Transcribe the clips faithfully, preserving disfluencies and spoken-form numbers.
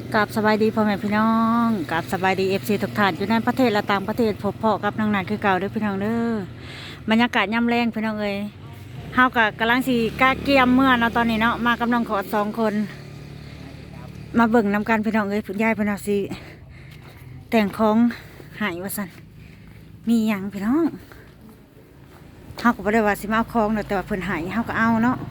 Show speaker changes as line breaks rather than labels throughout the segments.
กับสบายดีพ่อแม่พี่น้องกับสบายดีเอฟซีทุกท่านอยู่ในประเทศและต่างประเทศพบพ่อกับนางนานคือเก่าเด้อพี่น้องเด้อบรรยากาศย่ำแรงพี่น้องเอ้ยเฮากับกำลังสีกาเกียมเมื่อเนาะตอนนี้เนาะมากำลังขอสองคน มาเบิ่งนำกันพี่น้องเอ้ยผุนยายพี่น้องสิแต่งของหายว่าสันมีหยังพี่น้องเฮาก็บ่ได้ว่าสิมาเอาของเนาะแต่ว่าเพิ่นหายเฮาก็เอาเนาะ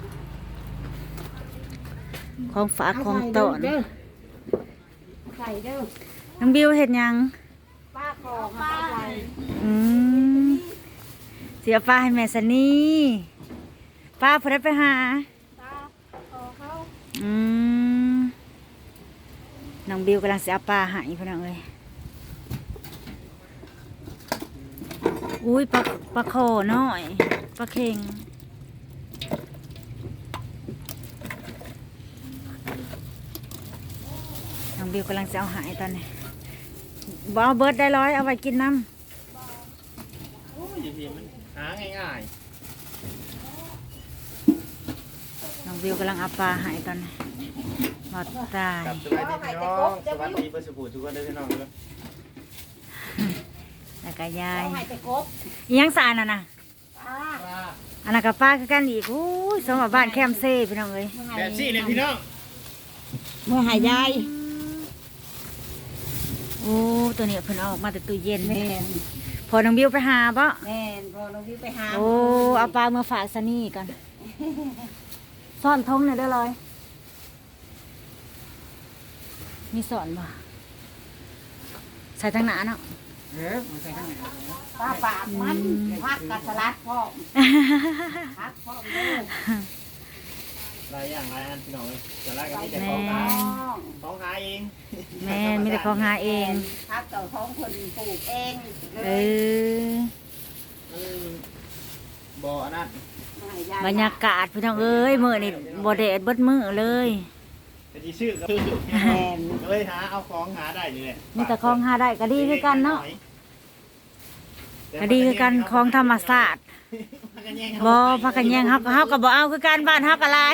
ของฝากของต้อน
ใส่เด้อ
น้องบิวเห็ดหยัง
ป้าขอป้าใส่
อืมเสียป้าให้แม่สนีป้าพอได้ไปหา
ป้าขอเขา
อืมน้องบิวกำลังเสียป้าใหายพี่น้องเอ้ยอุ้ยปลาปลาโคน้อยปลาเค็งน้องบิวกำลังจะเอาใหายตอนนี้บเอาเบิร์ดได้ร้อยเอาไว้กินน้ำ
โอ้ยพี่มันหาง่าย
น้องวิวกำลังเอาปลาหายตอนนี้หมดตาย
ๆกับสวัสดีพี่น้องสวัสดีเพื่อนสบู่ทุกคนด้วยพี่น้องเลย
แล้วก็ยาย
เอาให้แต่กบ
อิหยังสารน่ะนะ
ป้า
อันนั้นกับป้าคือกันอีกอู้ยสมบัติบ้านแคมเซ่พี่น้องเอ้ย
แบบซี่เลยพี่น้อง
เมื่อหายาย
โอ้ตัวนี้เพิ่นเอาออกมาแต่ตู้เย็น
แม่น
พอน้องวิวไปหาปะ
แม่นพอเราวิ่งไปหา
โอ้เอาปลามาฝากซะนี่ก่อนซ่อนทงหน่อยได้เลยมีสอนบ่ใส่ทั้งหนาเนาะ
เออมาใส่ข้างในป้าปาดมันพักกับสลัดพ่อพักพ่อเด้อ
หลายอย่างหลายอันพี่น้องเลยจะไล่กันนี่แต่
แม่
ของหา
น้อง
ของหาเอง
แม่มีแต่ของหาเอง
พักกับท้องคนปลูกเอง
เออ
อืมบ่ออันนั้น
บรรยากาศพี่น้องเอ้ยมื้อนี่บ่แดดเบิดมื้อเลย
แต่ที่ชื่อก็คือ
แม่น
เลยหาเอาของหาได้นี่แหละ
มีแต่ของหาได้ก็ดีคือกันเนาะก็ดีคือกันของธรรมศาสตร์บ่พักกันแย่งเฮาก็เฮาก็บ่เอาคือกันบ้านเฮาก็หลาย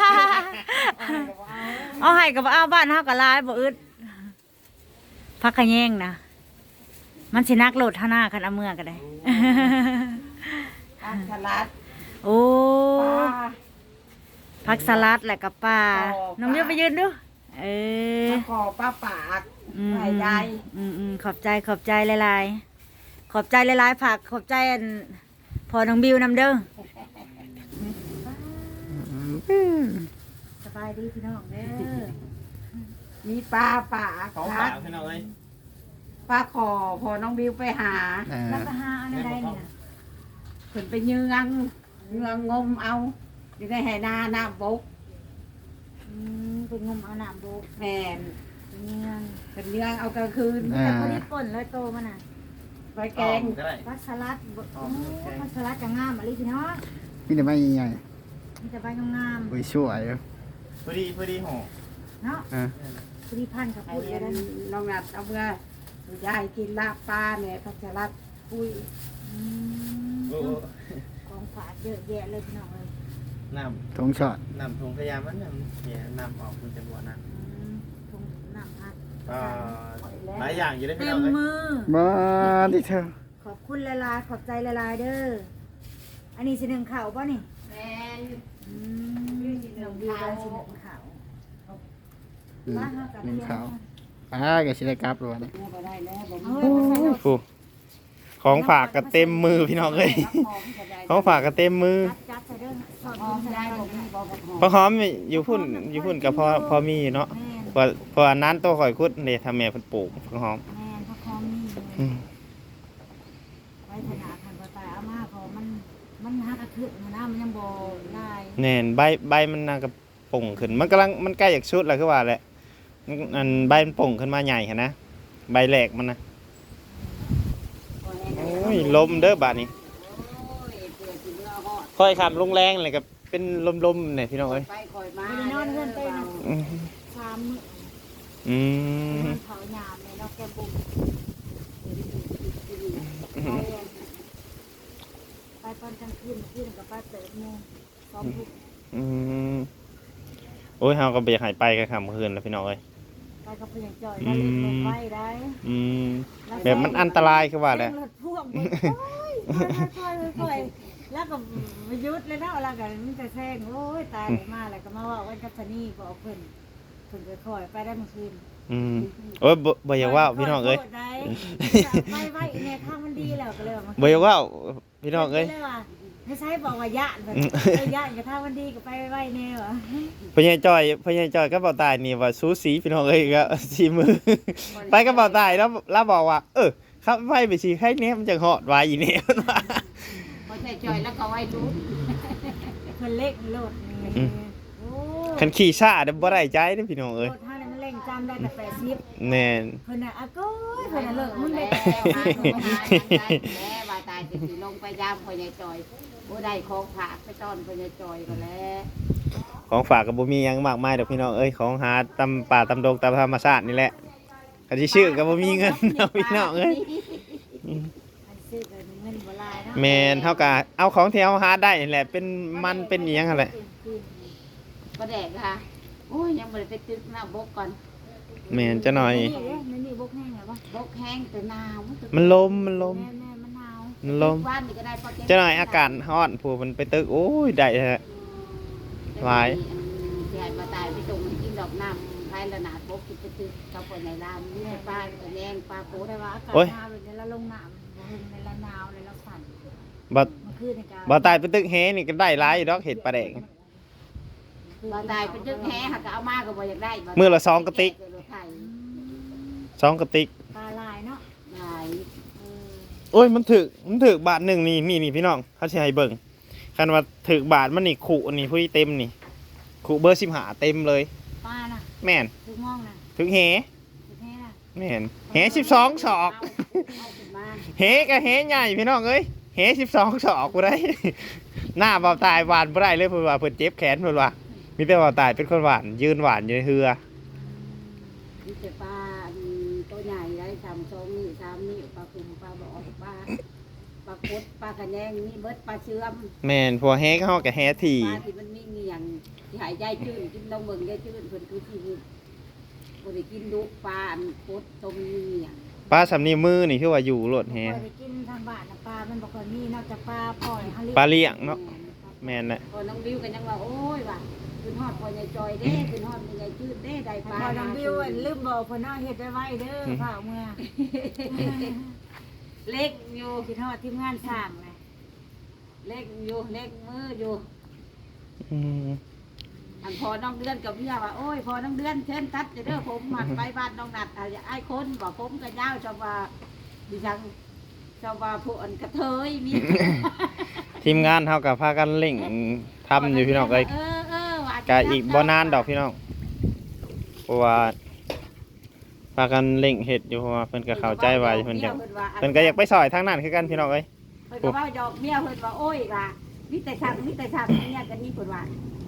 เอาให้ก็บ่เอาบ้านเฮาก็หลายบ่อึดพักกันแย่งนะมันสินักโลดเท่าหน้าคันเอาเมื่อก็ได้
พักสลัด
โอ้
ป้า
ผักสลัดแล้วก็ปลา
อ๋อ
น้องเมียวไปยืนดูเออ
มาขอป้าปาก
อืม
หายาย
อืมอืมขอบใจขอบใจหลายๆขอบใจหลายๆผักขอบใจอันพอน้องบิวนำเด้อสบายดีพี่น้องเด้อ
มีปลาปาก
ของ
ค
ฝา
รั
ก
บ
พี่น้องเลย
ปลาขอพอน้องบิวไปหา
แล้วก็หาอันใดนี่นะ
ขึ้นไปยืงงเงืองงมเอาอยู่ในไหนาหน้าบก
อืมเป็นงมเอาน้ำโบก
แม่น
เป็นเงี้ยง
เป็นเงืองเอากลางคืน
แต่พอดีป่นเลยโตมันน่ะ
ไปแกง
ก็ได้
ผักสลัดบ่โอ้ผักสลัดจะงามอะไรพี่น้อง
มีแต่ไม่ใหญ่
มีแต่ใบงาม
ๆโอ้ยช่วยอยู่
พอดีพอดีห่อ
ๆเนาะ
อ่ะ
พอดีพันกับ
ไอ้
ปุ๋ย
เอ็
แล้ว
น
นะ
น้องนัดเอาเมื่อยายกินลาบปลาเนี่ยพัชรัดปุ้ย
อืม
โอ้โห
ของฝากเยอะแยะเลยพี่น้องเลย
น้
ทงช็อต
ำน้ำถุงพยายามมันน้ำเนี่ยน้ำออกคุณจะบัวน้ำ
อืมถุงน้ำพัด
ก็หลายอย่างอยู่ได้พี่
เต็
น้อ
ม
งเลย
มือ
บ้าดิเธอ
ขอบคุณละลายๆขอบใจละลายๆเด้อ อันนี้สิหนึ่งข่าวป่ะนี่
แม่น
อืมน้องดีกันสิหนึ่งข่าว
อืม
บ้านเฮากับ
หนึ่ง
เที่ยว
ขาวอ่าแกชิได้กลับหรือวะเนี่ย
แม่ก็ได้แล้วผม
เอาไว้มาใส่รถ
ผู้ของฝากก็เต็มมือพี่น้องเลย ของฝากก็เต็มมือ
จัดจัดใส่เด้อสอด
หอม
ใส่
ได้
ได้
ผมมีบอกหอม
พอหอมอยู่พุ่นอยู่พุ่นกับพอพอมีอยู่เนาะ
แม่น
พอพออันนั้นตัวข่อยคุดเนี่ยทำแม่เพิ่นปลูกพอหอม
แม่นพระคอมนี่เลย
อืม
ไว้ถนาคันบ่ตายเอามาพอมันมันหักกระทึกนะมันยังบ่ได้
แน่นใบใบมันน่าก็ป่งขึ้น มันกำลังมันใกล้จากชุดแล้วคือว่าแหละมันอันใบมันป่งขึ้นมาใหญ่หั่นนะใบแหลกมันนะโอ้ยลมเด้อบาดนี้
โอ้ยเปลือกสีเนื้อหอด
ค่อยขับลงแรงเลยก็เป็นลมๆเนี่ยพี่น้องเอ้ย
ไปคอยมา
ไม่ได้นอนเพื่อนเต้นนะ
อืม
สามมื้อ
อืม
มันเผายามเลยเนาะแกบุ้มไปตอนกลางคืนคืนกับป้าเติร์ดโมงสองทุ่ม
อืมโอ้ยเฮาก็บ่อยากให้ไปกันค่ำคืนแล้วพี่น้องเอ้ย
แไปกับเพื่อนจ่อยแล้วเล่นลงไปได้
อืมแบบมันอันตรายคือว่าแหละ
รถพ่วงมันค่อยๆค่อยๆแล้วก็มายุดเลยนะแล้วก็มันจะแซงโอ้ยตายเลยมาแล้วก็มาว่าวันกัศนีบอกเพิ่นเพิ่นค่อยๆไปได้เมื่อคืน
อืมโอ้ยบ่บ่อยากว่าพี่น้องเอ้ย
ไปไว้ในทางมันดีแล้วก็เลยว่า
บ่อยากว่าพี่น้องเอ้ย
ไม่ใช่บอกว่าญาติแบบญาติกับทางมันดีก็ไปไว้แน่วะ
พญายจอยพญายจอยก็บ่ตายนี่ว่าสูสีพี่น้องเอ้ยก็สีมือ ไปก็บ่ตายแล้วแล้วบอกว่า เออครับไปไปสิให้เนี้ยมันจะเหาะไว้อีเนี่ย
พอใจจอยแล้วก็ไว้รู้
เพิ่นเล็กโลดนี่โอ้
คันขี่ช้าเด้อบ่ได้ใจเด้อพี่น้อง
โล
เอ้ย
ดท่านั้นมันเร่งจำได้แต่แปดสิบ
แน่น
เพิ่นน่ะอะก้อยเพิ่นน่ะเลิกมึงได้
แม่มาหนูหาอย่างได้แม่ว่าตายจะสิลงไปยามพอใจจอยบ่ได้ของฝากไปต้อนพอใจจอยก็แล้ว
ของฝากก็บ่มีหยังมากมายดอกพี่น้องเอ้ยของหาตำป่าตำดงตามธรรมชาตินี่แหละคันสิชื่อก็บ่มีเงิน เนาะพี่น้องเอ้ย
อันซื้อก็เงินบ่หลายเนาะ
แม่นเฮาก็เอาของที่เฮาหาได้นี่แหละเป็นมันเป็นอีหยังหั่นแหละ
ก็แดกค่ะโอ้ยยังบ่ได้ไปตึกหน้าบกก่อน
แม่นจะหน่อย
นี่เด้นี่นี่บกแห้งแล้วบ่
บกแห้งแต่หนาว
มันลมมันลม
แม่ๆมันหนาว
มันลม
บ้านนี่ก็ได้พอ
จะหน่อยอากาศร้อนผู้มันไปตึกโอ้ยได้ฮะ หลาย
สิให้มาตายไปส่งให้กินดอกน้ำภายละนาดบกกินไปตึกกับคนในร้านนี่ให้ป้าก็แยงป้าโพด
แต่ว่าอากาศหนาวเลยแล้วลงน้ำบ่เห็นในละหนาวเลยแล้วสั่น
บ่
มันคือในการ
บ่ตายไปตึกแฮนี่ก็ได้หลายอยู่ดอกเห็ดปลาแดง
มาตายไปตึกแห้หักก็เอามาก็บ่อยากได้บ่
มื้อละสองกระติก
แรถไถ
สองกระติก
ปลาลายเนาะ
หลาย
เออ
โอ้ยมันถึกมันถึกบาทหนึ่งนี่นี่นี่พี่น้องเขาสิให้เบิ่งคันว่าถึกบาทมันนี่ขู่อันนี้ผู้ที่เต็มนี่ขู่เบอร์สิบห้าเต็มเลย
ปลาน่ะ
แม่น
ถึงมองน่ะ
ถึกแฮ
ถึงแท้น่ะ
แม่นแฮสิบสองศอก
เอาขึ้นมา
แฮก็แฮใหญ่พี่น้องเอ้ยแฮสิบสองศอกกูได้ หน้าเบาตายหวานบ่ได้เลยเพิ่นว่าเพิ่นเจ็บแขนเพิ่นว่ามีแต่เบาตายเป็นคนหวานยืนหวานอยู่ในเรือ
มีแต่ปลาอันตัวใหญ่ได้สามสองนี่สามนี่ปลาคุมปลาบ่อปลาปลาคดปลากระแยงนี่เบิดปลาเชื่อม
แม่นพอแฮก็เฮาก็แฮที
ปลาที่มันมีเงียงที่หายใจจืดกินลงเบิ่งได้จืดเพิ่นคือที่บ่ได้กินดุปลาอันคดต้มมีเงียง
ปลาสำนีมือนี่คือว่าอยู่โลดแฮ
บ่ได้กินทางบ้านน่ะปลามันบ่ค่อยมีนอกจากปลาปล่อยหา
ปลาเลี้ยงเนาะแม่นแหละ
พอน้องวิวกันยังว่าโอ้ยว่ะขึ้นฮอดพ่อใหญ่จอยเด้ขึ้นฮอดพ่อใหญ่จืดเด้ได้ป
พ
ลา
อน้องวิวอะลืมบอกเพิ่นเอาเฮ็ดไว้เด้อฝากเมื่อ
เล็กอยู่
คิดฮอดทีมงานสร้างนะ
เล็กอยู่เล็กมืออยู่
อืม
อันพอน้องเดือนกับเมียว่าโอ้ยพอน้องเดือนเชิญตัดจะเด้อผมหมัดไปบ้านน้องนัดอาจจะไอ้คนบอกผมก็ยาวชาวว่าดิฉันชาวว่าผู้อันกระเทยมี
ทีมงานเฮากับพากันเร่งทำอยู่พี่น้องเอ้ย
เออเออว่า
ก็อีกบ่นานดอกพี่น้องเพราะว่าพากันเร่งเฮ็ดอยู่เพราะว่าเพิ่นก็เข้าใจว่าเพิ่นอยากเพิ่นก็อยากไปซอยทางนั้นคือกันพี่น้องเอ้ย
เพิ่นก็ว่าดอกเมียเพิ่นว่าโอ้ยว่ามีแต่สั่งมีแต่สั่งเนี่ยกันนี่เพิ่นว่า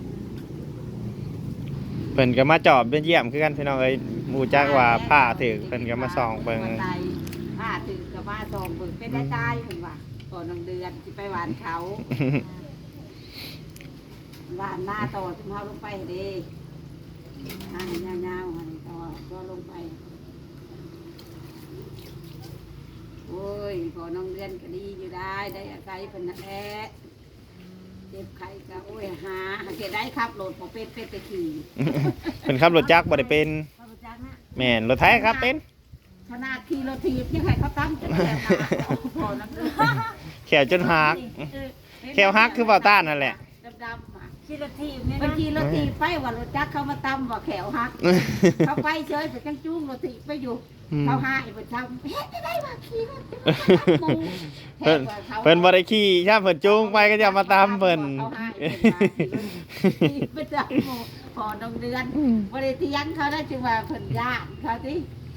เพิ่นก็มาจอบเยี่ยมคือกันพี่น้องเอ้ยหมู่จักว่าผ้าถึกเพิ่นก็มาส่องเบิ่ง
ผ้าถึกกับผ้าส่องเบิ่งเป็นได้ใจเพิ่นว่าก่อนน้องเดือนสิไปหวานเขา ว่าหน้าต่อถึงเขาลงไปเด้ทางยาวๆมันต่อก็ลงไป โอ้ยพอน้องเรียนก็ดีอยู่ได้ได้อาศัยเป็นนั่นแหละเจ็บไข้ก็โอ้ยหาหาเกได้ครับโหลดพอเป็ดเป็ดไปขี่
เพิ่นขับรถจักรบ่ได้เป็น
พระประจักษ์นะ
แม่นรถไถครับเป็น
ขนาดขี่รถถีบยังไงเขาตั้งจะแก่มาพอนักเรียน
แขวจนหักแขวหักคือเบาต้านนั่นแหละ
ดำๆอ่ะ
ขี่รถทีบเนี่ย
บาง
นะ
ทีรถถีบไปว่ารถจักรเขามาตำว่าแขวหัก เขาไปเฉยไปจังจุ้งรถถีบไปอยู่
อืม
เขาหายไปทำเฮ็ดไม่ได้ว่าขี่รถถีบ
เพิ่นเพิ่นบ่ได้ขี่ถ้าเพิ่นจูงไปก็จะมาตามเพิ่น
เขาหายไปขี่ไปจับหมู่พอน้องเดือนบ่ได้เถียงเขาได้จึงว่าเพิ่นยากเขาติ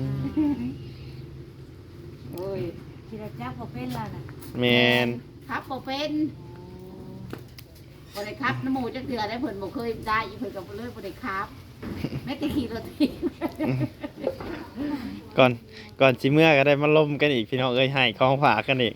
โอ้ย
ขี่รถจักรบ่เป็นแล้วน่ะ
แม่น
ครับบ่เป็นบ่ได้ครับน้ำหมูจักเดือได้เพิ่นบ่เคยได้อีเพิ่นก็บ่เลยบ่ได้ครับแม้แต่ขี่รถถีบ
ก่อนก่อนสิเมื่อก็ได้มาล้มกันอีกพี่น้องเอ้ยให้ของฝากกันอีก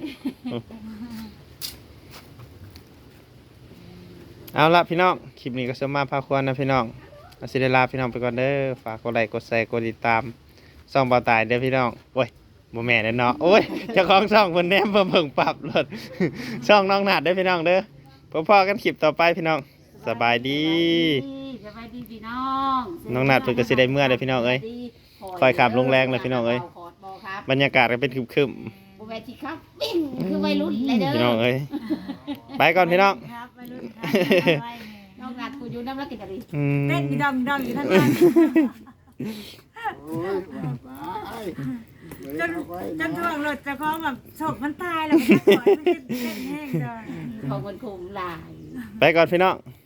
เอาละพี่น้องคลิปนี้ก็สมมาพาควรนะพี่น้องเอาสิได้ลาพี่น้องไปก่อนเด้อฝากกดไลค์กดแชร์กดติดตามช่องเบาตายเด้อพี่น้องโอ้ยบ่แม่นเนาะโอ้ยเจ้าของช่องเพิ่นแนมเพิ่นเพิ่งปรับรถ ช่องน้องหนาดเด้อพี่น้องเด้อพอๆกันคลิปต่อไปพี่น้องสบายดี
สบายดีพี่น้อง
น้องหนาดเพิ่นก็สิได้เมื่อเด้อพี่น้องเอ้ยคอยขับลงแรงเลยพี่น้องเอ้ย บรรยากาศก็เป็นครึม
บ่แม่นสิครับปิ้งคือวัยรุ่นเลยเด้อ
ๆพี่น้องเอ้ยไปก่อนพี่น้อง
ครับไปรุ่นครับไปแม่
น้องนัดกูอยู่น้ำรักกินอะไร
อืม
เต้นอีดองดองอยู่ทั้งนั้น
โอ้ยว่าไปเดี๋ยว
จน
เอาไป
จนถ่วงรถเจะคล้าของแบบโศกมันตายแล้วมันจะปล่อยมันจะเต้นแห้งเลย
ของมันคงหลาย
ไปก่อนพี่น้อง
บ